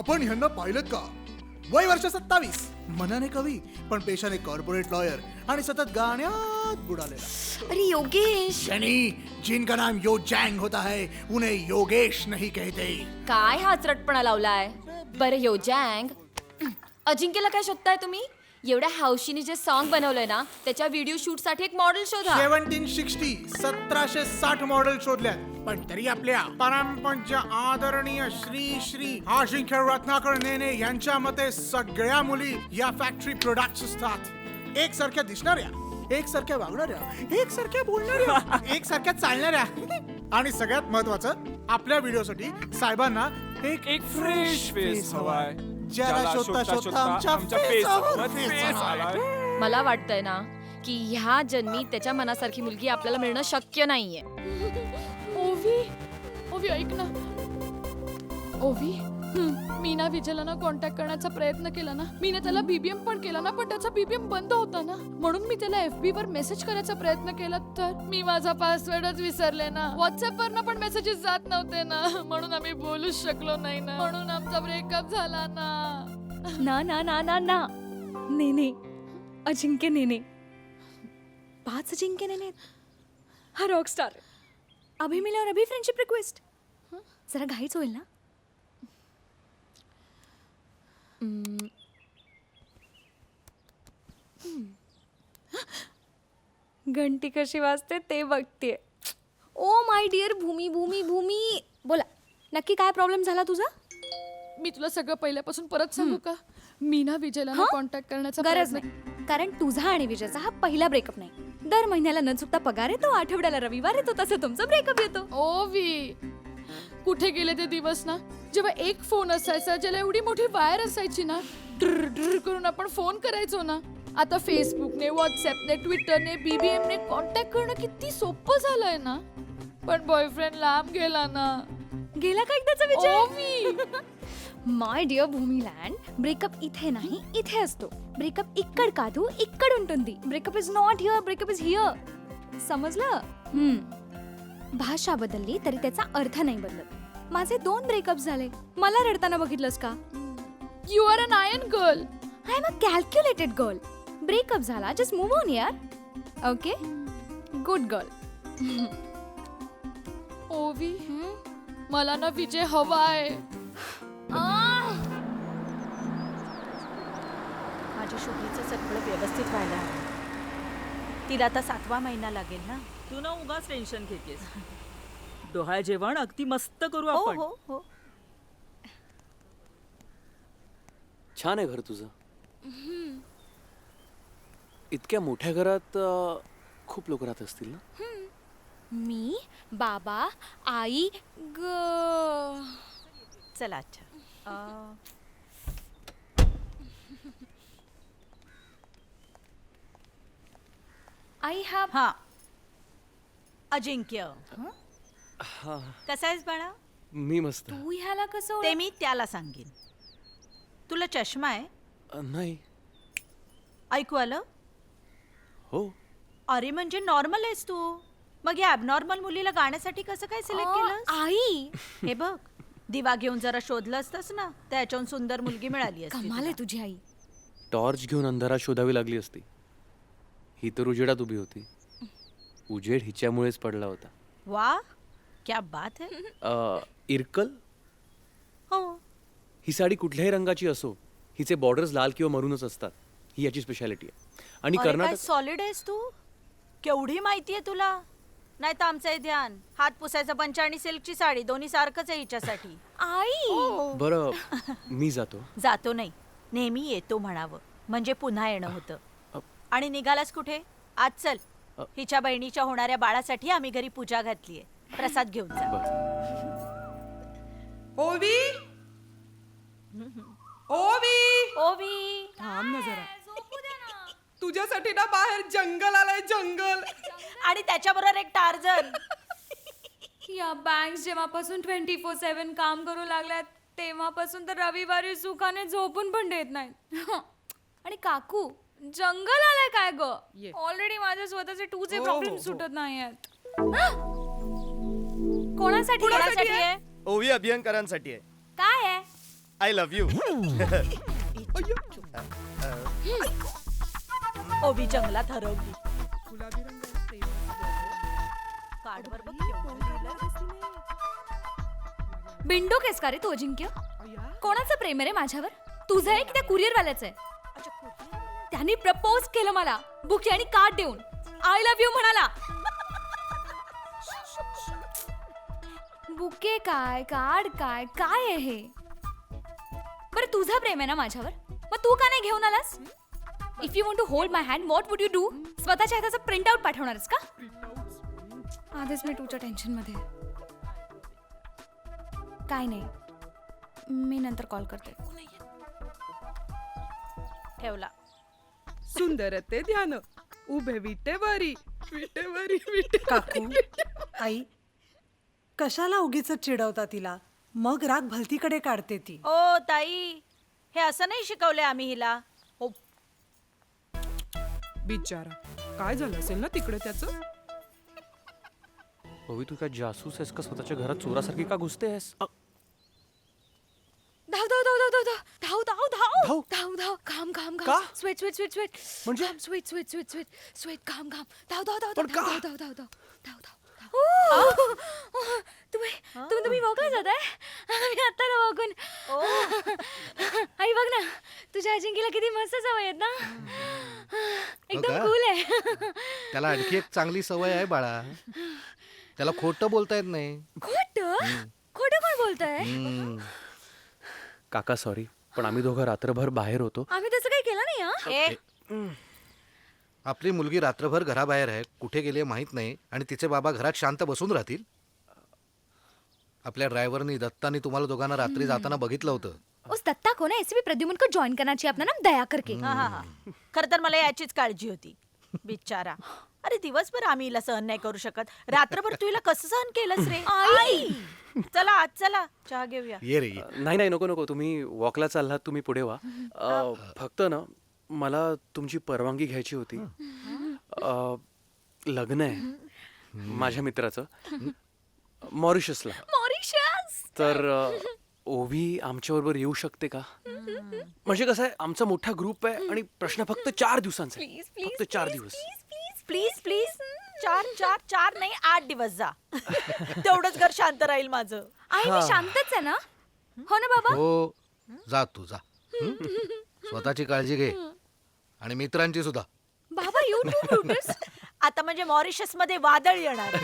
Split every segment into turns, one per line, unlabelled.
आपण ह्यांना पाहिलं का? वय वर्ष 27, मनाने कवी पण पेशाने कॉर्पोरेट लॉयर आणि सतत गाण्यात बुडालेला.
अरे योगेश,
यानी जिनका नाम यो जैंग होता है उन्हें योगेश नहीं कहते.
काय हा चरटपणा लावलाय? बरं योजँग, अजिंक्यला काय शोधताय तुम्ही? एवढ्या हौशीने जे सॉन्ग बनवलंय ना, त्याच्या व्हिडिओ शूट साठी एक मॉडेल शोधा.
1760 मॉडेल शोधल्यात, पण तरी आपल्या परमपूज्य आदरणीय श्री अजिंक्य रत्नाकर नेने यांच्या मते सगळ्या मुली या फॅक्टरी प्रोडक्ट्स असतात. एकसारख्या दिसणाऱ्या, एकसारख्या वागणाऱ्या, एकसारख्या बोलणाऱ्या, एकसारख्या चालणाऱ्या आणि सगळ्यात महत्वाचं, आपल्या व्हिडिओसाठी साहेबांना एक
फ्रेश फेस हवाय.
ज्याला शोधता आमच्या फेसवर फेस आलाय.
मला वाटतंय ना की ह्या जन्मी त्याच्या मनासारखी मुलगी आपल्याला मिळणं शक्य नाहीये.
ओवी ऐक ना. ओवी, मी ना विजयला ना कॉन्टॅक्ट करण्याचा प्रयत्न केला ना, मी ना त्याला बीबीएम पण केला ना, पण त्याचा बीबीएम बंद होता ना, म्हणून मी त्याला FB वर मेसेज करायचा प्रयत्न केला, तर मी माझा पासवर्डच विसरले ना. व्हॉट्सअप वर ना पण मेसेजेस जात नव्हते ना, म्हणून आम्ही बोलूच शकलो नाही ना, म्हणून आमचा ब्रेकअप झाला ना.
ना ना ना ना ना नेने, अजिंक्य नेने, 5 अजिंक्य नेने, हा रॉकस्टार. अभि मिल्यावर अभि फ्रेंडशिप रिक्वेस्ट. जरा घाईच होईल ना. घंटी कशी वाजते ते बघतेय. ओ माय डिअर भूमी भूमी भूमी, बोला नक्की काय प्रॉब्लेम झाला तुझा?
मी तुला सगळं पहिल्यापासून परत सांगू का? मी ना विजयला ना कॉन्टॅक्ट करण्याचा
गरज नाही, कारण तुझा आणि विजयचा हा पहिला ब्रेकअप नाही. दर महिन्याला न चुकता पगार येतो, आठवड्याला रविवार येतो, तसं तुमचा ब्रेकअप येतो.
ओवी, कुठे गेले ते दिवस ना जेव्हा एक फोन असायचा ज्याला एवढी मोठी वायर असायची ना, ड्र ड्र करून आपण फोन करायचो ना. आता फेसबुकने, व्हॉट्सअपने, ट्विटरने, बीबीएमने कॉन्टॅक्ट करणं किती सोपं झालंय ना. पण बॉयफ्रेंड लांब गेला ना.
गेला का एकदाचा विजय?
ओवी,
माय डिअर भूमीलँड, ब्रेकअप इथे नाही इथे असतो. ब्रेकअप इक्कड कादू इक्कड उंटुंदी. Breakup is not here, breakup is here. समजलं? भाषा बदलली तरी त्याचा अर्थ नाही बदलत. माझे 2 ब्रेकअप झाले, मला रडताना बघितलंस का?
You are an iron girl.
I am a calculated girl. Breakup झाला, जस्ट मूव्ह ऑन यार. Okay, good girl.
ओवी, मला ना विजय हवाय.
माझ्या शुभीचं सगळं व्यवस्थित व्हायला हवं. तिला आता 7वा महिना लागेल ना.
तू ना उगाच टेन्शन घेतेस. डोहाळ जेवण अगदी मस्त करू
हो
आपण.
हो हो.
छान आहे घर तुझं. इतक्या मोठ्या घरात खूप लोक राहत असतील ना.
मी, बाबा, आई,
चला अच्छा.
आई हा
हा अजिंक्य, कसा आहेस बाळा?
मी मस्त.
तू ह्याला कसं
ते मी त्याला सांगेन. तुला चष्मा आहे?
नाही.
ऐकू आलं?
हो.
अरे म्हणजे नॉर्मल आहेस तू. मग या ॲबनॉर्मल मुलीला गाण्यासाठी कसं काय सिलेक्ट केलं?
आई,
हे बघ, दिवा घेऊन जरा शोधलं असतंस ना, त्याच्याहून सुंदर मुलगी मिळाली असती
कमाल
तुला.
आहे तुझी आई.
टॉर्च घेऊन अंधारात शोधावी लागली असती. ही तर उजेडात उभी होती. उजेड हिच्यामुळेच पडला होता.
वाह, क्या बात है.
इरकल,
हो,
ही साडी कुठल्याही रंगाची असो, हिचे बॉर्डर्स लाल किंवा मरूनच असतात. ही याची स्पेशालिटी आहे. आणि
अरे काय
कर्नाटक
सॉलिड आहेस तू. केवढी माहिती आहे तुला. नाही तर आमचं हे ध्यान. हात पुसायचा पंच आणि सिल्कची साडी दोन्ही सारखंच आहे हिच्यासाठी.
आई,
बरं, मी जातो.
जातो नाही, नेहमी येतो म्हणावं, म्हणजे पुन्हा येणं होतं. आणि निघालास कुठे? आज चल, हिच्या बहिणीच्या होणाऱ्या बाळासाठी आम्ही घरी पूजा घातलीये. प्रसाद घेऊन जा.
ओवी, ओवी,
ओवी,
थांब ना जरा.
तुझ्यासाठी ना बाहेर जंगल आलंय, जंगल.
आणि त्याच्याबरोबर एक टार्झन.
या बँक्स जेव्हापासून 24/7 काम करू लागल्यात तेव्हापासून तर रविवारी सुखाने झोपून पण देत नाहीत. आणि काकू, जंगल आलाय काय ग? ऑलरेडी माझे स्वतःचे 2चे प्रॉब्लेम सुटत नाहीयेत. कोणासाठी
कोणासाठी आहे?
ओवी अभियंकरांसाठी आहे.
काय आहे?
I love you.
ओवी जंगलात हरवली.
गुलाबी रंगाला प्रेम.
कार्डवर बघ केवढं लिहिलंय.
बिंडो केस का रे तो अजिंक्य?
अय्या.
कोणाचं प्रेम आहे रे माझ्यावर? तुझं आहे की त्या कुरिअर वाल्याचं आहे? त्यांनी प्रपोज केलं मला बुके आणि कार्ड देऊन. आय लव्ह यू म्हणाला. बुके काय कार्ड काय काय आहे हे? बरं तुझं प्रेम आहे ना माझ्यावर, मग तू का नाही घेऊन आलास? If you want to hold my hand what would you do? स्वतःच्या हाताचा प्रिंट आउट पाठवणारच का? आधीच मी तुझ्या टेन्शन मध्ये. काय नाही, मी नंतर कॉल करते.
ठेवला.
सुंदर ते ध्यान उभे विटेवरी विटेवरी विटे.
काकू आई कशाला उगीच चिडवता तिला? मग राग भलतीकडे काढते ती.
ओ ताई, हे असं नाही शिकवले आम्ही हिला. हो.
बिचारा, काय झालं असेल ना तिकडे त्याचं.
ओवी तू काय जासूस आहेस का? स्वतःच्या घरात चोरासारखी का घुसते आहेस?
धाव धाव धाव धाव धाव धाव धाव धाव
धाव?
धाव धाव घाम घाम
का?
घाम स्वेट स्वेट स्वेट स्वेट
म्हणजे?
घाम sweat sweat sweat sweat sweat घाम घाम धाव धाव धाव
पण
धाव
का?
धाव धाव धाव धाव धाव. तुम्ही वॉकला जाताय? आम्ही आता ना वॉकून. आई बघ ना, तुझ्या अजिंक्यला किती मस्त सवय आहेत ना. एकदम
का?
कूल आहे.
त्याला आणखी एक चांगली सवय आहे बाळा. त्याला खोटं बोलता येत नाही.
खोटं खोटं कोण बोलतंय?
हम्म.
काका सॉरी, पण आम्ही दोघं रात्रभर बाहेर होतो.
आम्ही तसं काही केलं नाही हा.
ए,
आपली मुलगी रात्रभर घराबाहेर आहे, कुठे गेली माहित नाही, आणि तिचे बाबा घरात शांत बसून राहतील? आपल्या ड्रायव्हरनी दत्तानी तुम्हाला दोघांना रात्री जाताना बघितलं होतं.
उस दत्ता को ना ऐसे भी प्रद्युमन को ज्वाइन करना चाहिए अपना नाम दया करके.
हा हा हा. खर तर मला याचीच काळजी होती. बिचारा. अरे दिवसभर आम्ही हिला सहन नाही करू शकत. रात्रभर तू हिला कसं सहन केलंस रे? आई, चला आज चला चहा घेऊया.
ये रे ये.
नाही नाही नको नको, तुम्ही वॉकला चाललात, तुम्ही पुढे व्हा. फक्त ना मला तुमची परवानगी घ्यायची होती. लग्न आहे माझ्या मित्राचं मॉरिशसला.
मॉरिशस.
तर ओवी आमच्याबरोबर येऊ शकते का? म्हणजे कसं आहे, आमचा मोठा ग्रुप आहे आणि प्रश्न फक्त 4 दिवसांचा आहे.
प्लीज प्लीज
फक्त 4 दिवस.
प्लीज प्लीज 4 नाही 8 दिवस जा. तेवढंच घर शांत राहील माझं.
आई मी शांतच आहे ना. हो ना बाबा.
हो, जा तू जा. स्वतःची काळजी घे आणि मित्रांची सुद्धा.
बाबा यू टू ब्रुटस.
आता म्हणजे मॉरिशस मध्ये वादळ येणार.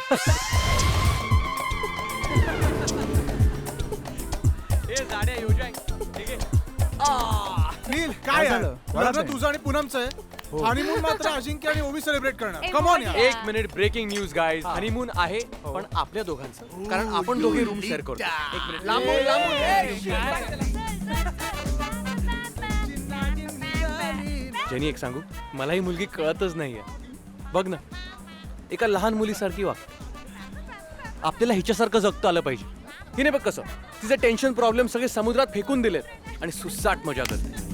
नील काय झालं? लग्न तुझं आणि पूनमचं आहे. हनीमून मात्र अजिंक्य आणि ओवी सेलिब्रेट करणार. कम ऑन यार.
एक minute, breaking news guys. Honeymoon आहे पण आपल्या दोघांचं, कारण आपण दोघे रूम शेअर करतो. एक मिनिट.
लांबून लांबून.
जेनी एक सांगू, मला ही मुलगी कळतच नाहीये. बघ ना, एका लहान मुलीसारखी वाग. आपल्याला हिच्यासारखं जगता आलं पाहिजे. हिने बघ कसं तिचे टेन्शन प्रॉब्लेम सगळे समुद्रात फेकून दिलेत आणि सुसाट मजा करते.